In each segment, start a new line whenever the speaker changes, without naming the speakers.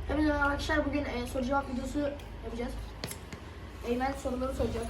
Evet arkadaşlar, bugün soru cevap videosu yapacağız. Eymen soruları soracak.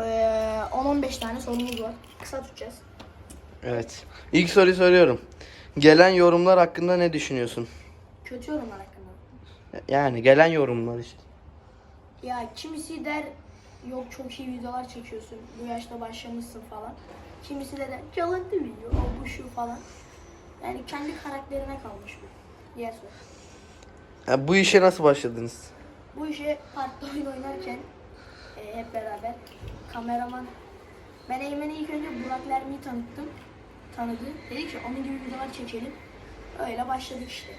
10-15 tane sorumuz var. Kısa tutacağız.
Evet. İlk soruyu soruyorum. Gelen yorumlar hakkında ne düşünüyorsun?
Kötü yorumlar hakkında.
Yani gelen yorumlar işte.
Ya kimisi der yok çok iyi videolar çekiyorsun, bu yaşta başlamışsın falan. Kimisi de der çalıntı video, o bu şu falan. Yani kendi karakterine kalmış bu. Diğer soru.
Bu işe nasıl başladınız?
Bu işe parkta oyun oynarken hep beraber kameraman, ben Eymen'i ilk önce Burak Lermi'yi tanıdı. Dedi ki onun gibi videolar çekelim. Öyle başladık işte.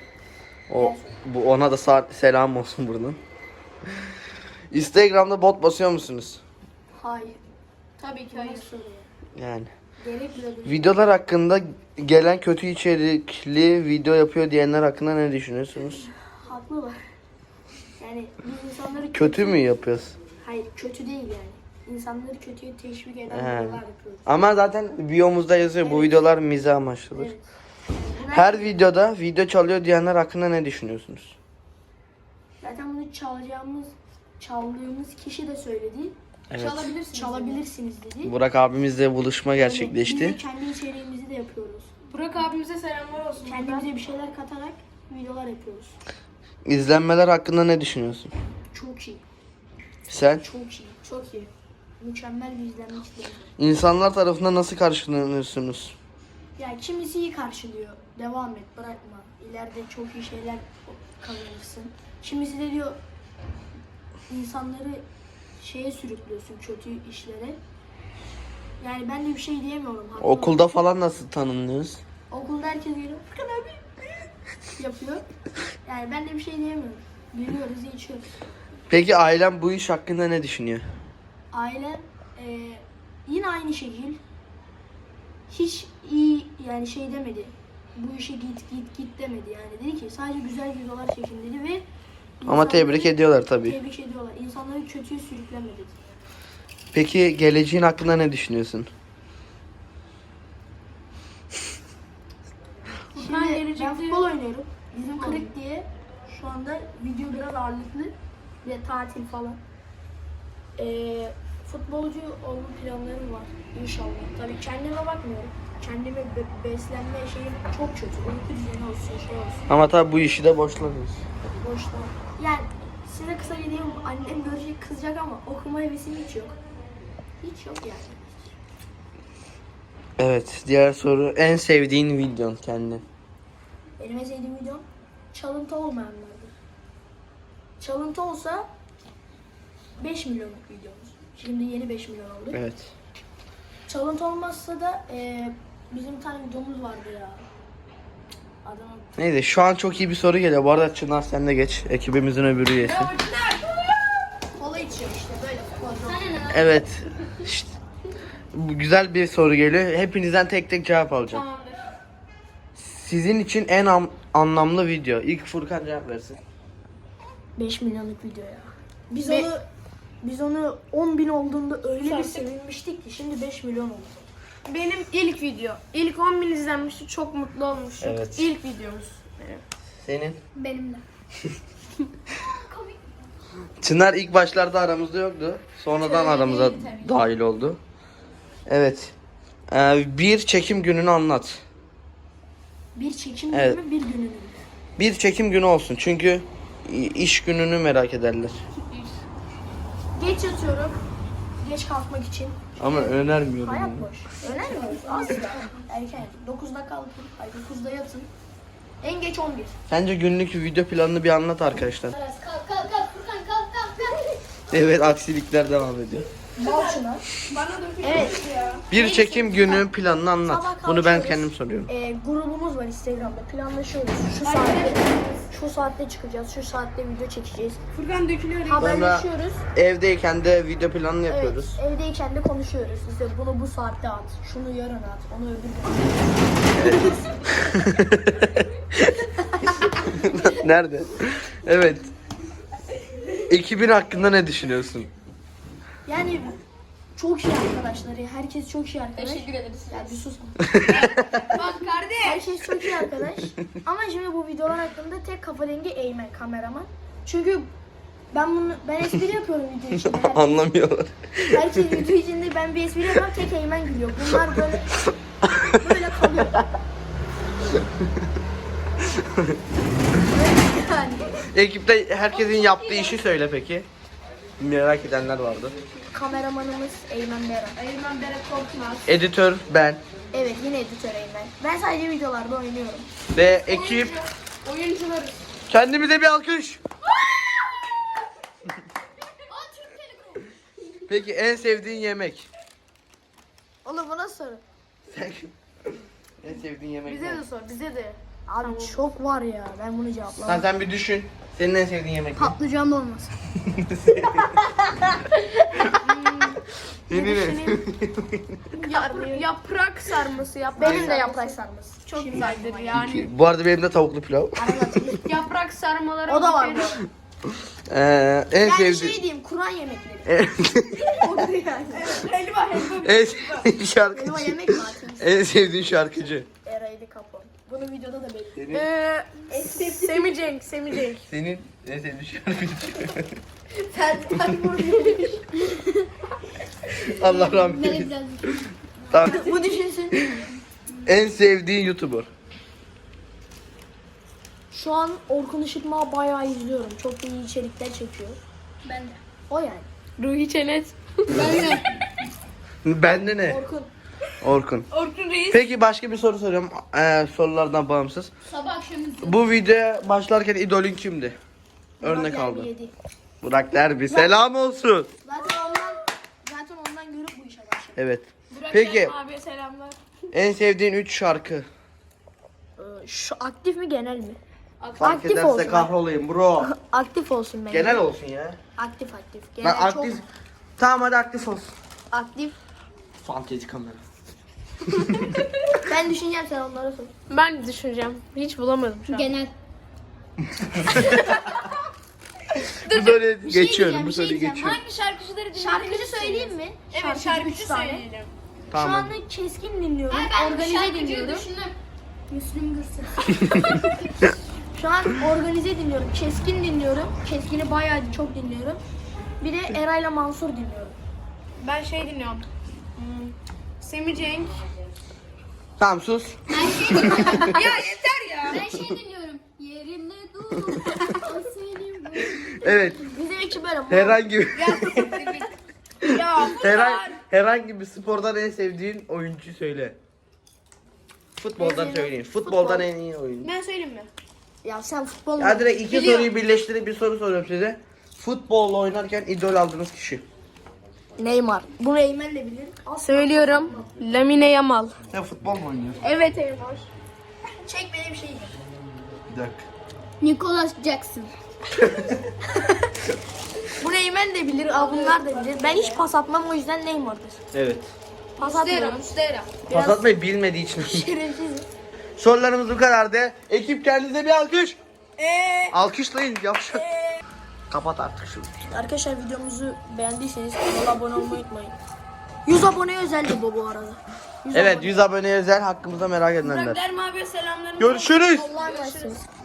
Bu ona da selam olsun buradan. Instagram'da bot basıyor musunuz?
Hayır.
Tabii ki
Hayır.
hayır.
Yani.
Gerek bile değil.
Videolar hakkında gelen kötü içerikli video yapıyor diyenler hakkında ne düşünüyorsunuz?
Haklılar. Yani biz insanları
Kötü mü yapıyoruz?
Hayır, kötü değil yani. İnsanları kötüye teşvik eden
He.
videolar yapıyoruz.
Ama zaten biyomuzda yazıyor bu
Evet.
videolar mizah amaçlıdır.
Evet. Bunlar-
Her videoda video çalıyor diyenler hakkında ne düşünüyorsunuz?
Zaten bunu çaldığımız kişi de söyledi.
Evet.
Çalabilirsiniz dedi.
Burak abimizle buluşma
Biz de
gerçekleşti.
kendi içeriğimizi de yapıyoruz.
Burak abimize selamlar olsun.
Kendimize bir şeyler katarak videolar yapıyoruz.
İzlenmeler hakkında ne düşünüyorsun?
Çok iyi.
Sen
Çok iyi. Çok iyi. Mükemmel bir izlenme kitlesi.
insanlar tarafından nasıl karşılanıyorsunuz?
Yani kimisi iyi karşılıyor. Devam et, bırakma. İleride çok iyi şeyler kazanırsın. Kimisi de diyor insanları şeye sürüklüyorsun, kötü işlere. Yani ben de bir şey diyemiyorum. haklı
Okulda falan nasıl tanınıyoruz?
Okulda herkes geliyor. Furkan abi yapıyor. Yani ben de bir şey diyemiyorum. Gülüyoruz, içiyoruz.
Peki ailem bu iş hakkında ne düşünüyor?
Ailem yine aynı şekil. Hiç iyi yani şey demedi. Bu işe git demedi yani. Dedi ki sadece güzel videolar çekin dedi ve
Ama tebrik ediyorlar tabii.
Tebrik ediyorlar. İnsanları kötüye sürükleme dedi.
Peki geleceğin hakkında ne düşünüyorsun?
Şimdi ben futbol oynuyorum. Bizim kırık diye şu anda video biraz ağırlıklı ve tatil falan. Futbolcu olma planlarım var inşallah. Tabii kendime bakmıyorum. Kendime beslenme şeyim çok kötü. Uyku düzeni olsun, şey olsun.
Ama tabii bu işi de boşlamıyoruz.
Boşta. Yani size kısaca diyeyim, annem görecek kızacak ama okuma hevesim hiç yok. Hiç yok yani.
Evet, diğer soru en sevdiğin videon kendin.
Benim en sevdiğim videom çalıntı olmayanlardır. Çalıntı olsa 5 milyonluk videomuz. Şimdi yeni 5 milyon oldu.
Evet.
Çalıntı olmazsa da bizim bir tane videomuz vardı ya. Adamın
Neyse şu an çok iyi bir soru geliyor. Bu arada Çınar sen de geç. Ekibimizin öbür üyesi.
kola içiyor işte böyle futbolcu.
Evet. İşte, bu güzel bir soru geliyor. Hepinizden tek tek cevap alacağım.
Tamamdır.
Sizin için en anlamlı video. İlk Furkan cevap versin.
5 milyonluk video ya. Biz onu 10.000 olduğunda öyle bir
Sattık.
sevinmiştik ki şimdi 5 milyon oldu.
Benim ilk video. İlk 10.000 izlenmişti. Çok mutlu olmuştum.
Evet.
İlk videomuz. Evet.
Senin?
Benim de.
Çınar ilk başlarda aramızda yoktu. Sonradan
Öyle
aramıza
değil tabii.
dahil oldu. Evet. Bir çekim gününü anlat.
Bir çekim
Evet.
günü bir gününü.
Bir çekim günü olsun. Çünkü iş gününü merak ederler.
Geç yatıyorum. Geç kalkmak için.
Ama önermiyorum.
Hayat
yani.
boş. Önermiyoruz asla. Erken yatın. 9'da kalkın. Ay 9'da yatın. En geç 11.
Sence günlük video planını bir anlat arkadaşlar.
Kalk Furkan kalk.
Evet, aksilikler devam ediyor.
Bal şuna.
Bana da
Evet.
ya.
Bir çekim günü planını anlat.
Sabah
Bunu ben
kalkıyoruz.
kendim soruyorum.
Grubumuz var Instagram'da. Planlaşıyoruz. Şu saatte çıkacağız. Şu saatte video çekeceğiz.
Furkan dökülüyor.
Haberleşiyoruz.
Evdeyken de video planını yapıyoruz.
Evet, evdeyken de konuşuyoruz. İşte bunu bu saatte at. Şunu yarın at. Onu öbür gün at.
Nerede? Evet. Ekibin hakkında ne düşünüyorsun?
Yani çok iyi arkadaşları. Herkes çok iyi arkadaş.
Teşekkür ederiz.
Ya bir sus.
Bak kardeş.
Herkes çok iyi arkadaş. Ama şimdi bu videolar hakkında tek kafa dengi Eymen kameraman. Çünkü ben espri yapıyorum video içinde.
Anlamıyorlar.
Herkes video içinde ben bir espri yapıyorum, tek Eymen gülüyor. Bunlar böyle kalıyor. Yani
Ekipte herkesin yaptığı işi söyle peki. Merak edenler vardı.
kameramanımız Eymen Beran.
Eymen Berat Korkmaz.
Editör ben
Evet, yine editör Eymen. Ben sadece videolarda oynuyorum.
ve ekip.
Oyuncularız.
Kendimize bir alkış. Peki en sevdiğin yemek?
Oğlum bu nasıl soru?
Sen en sevdiğin yemek
Bize
ne?
de sor, bize de.
Abi çok var ya, ben bunu cevaplamam.
Sen bir düşün. Senin en sevdiğin yemek ne?
Patlıcan olmasın.
Senin
Yaprak sarması yap.
Benim de yaprak sarması.
Çok güzeldir yani.
Bu arada benim de tavuklu pilav.
Yaprak sarmaları.
O da var bu.
En
Yani
sevdiğin...
şey diyeyim, Kur'an yemekleri. Odur yani.
Helva.
en sevdiğin şarkıcı.
Elma yemek mi atayım?
En sevdiğin şarkıcı.
Eray'dı kapon. Bunu videoda da belirttim.
Semih Cenk.
Senin en sevdiğin şarkıcı.
Sen vurmuyormuş.
Allah rahmet eylesin. Tamam.
Bu düşünsün.
En sevdiğin YouTuber.
Şu an Orkun Işıtmak'ı bayağı izliyorum. Çok iyi içerikler çekiyor.
Ben de.
O yani.
Ruhi Çenet.
Bende ne?
Orkun.
Orkun.
Orkun Reis.
Peki başka bir soru soruyorum. Sorulardan bağımsız.
Sabah akşam
Bu videoya başlarken idolün kimdi? Örnek
Burak
aldı.
Derbi yedi.
Burak Derbi. Selam olsun.
Zaten ondan görüp bu işe başladım.
Evet.
Burak
Peki
Derbi abiye selamlar.
en sevdiğin 3 şarkı.
Şu aktif mi genel mi?
Fark
Aktif
ederse
olsun.
kahrolayım bro.
Aktif olsun bence.
Genel olsun ya.
Aktif.
Ben
Genel
aktif. Tamam hadi aktif olsun.
çok aktif.
Fantezi kamera.
Ben düşüneceğim, sen onlara sor.
Ben düşüneceğim. Hiç bulamadım şu an.
Genel.
Bu soruyu
şey
geçiyorum.
diyeceğim,
Bu
bir şey
soruyu
diyeceğim.
geçiyorum.
Hangi şarkıcıları dinlediniz?
Şarkıcı söyleyeyim mi?
Evet
üç
şarkıcı
tane.
söyleyelim.
Şu
Tamam.
anda keskin dinliyorum. Organize dinliyorum. Müslüm Gürses. Şu an organize dinliyorum. Keskin dinliyorum. Keskin'i bayağı çok dinliyorum. Bir de Eray'la Mansur dinliyorum.
Ben şey dinliyorum. Semih Cenk.
Tamam sus.
Ya yeter ya.
Ben şey dinliyorum. Yerimde dur. O senin bu.
Evet.
Bizim ekip böyle.
Herhangi bir
Ya
herhangi bir spordan en sevdiğin oyuncu söyle. Futboldan söyleyin. Futboldan en iyi oyuncu.
ben söyleyeyim mi?
Ya sen futbol
Ya direkt iki
Biliyorum.
soruyu birleştirip bir soru soruyorum size. Futbolla oynarken idol aldığınız kişi.
Neymar. Bunu Eymen de bilir.
Söylüyorum. Lamine Yamal.
Sen futbol mu oynuyorsun?
Evet Eymen.
Çek benim şeyimi.
Bir dakika.
Nicholas Jackson.
Bunu Eymen de bilir. Bunlar da bilir. Ben hiç pas atmam, o yüzden Neymar'dır.
Evet.
Pas atmıyorum.
Mustera.
Pas atmayı bilmediği için.
Şerefsiz.
Sorularımız bu kadardı. Ekip kendinize bir alkış. Alkışlayın yapışın. Kapat artık şunu.
Arkadaşlar videomuzu beğendiyseniz kanala abone olmayı unutmayın. 100 aboneye özeldi bu arada. 100
Evet
abone.
100 aboneye özel hakkımızda merak edenler.
Dermi abiye selamlarını.
Görüşürüz.
Allah'a emanetsiniz.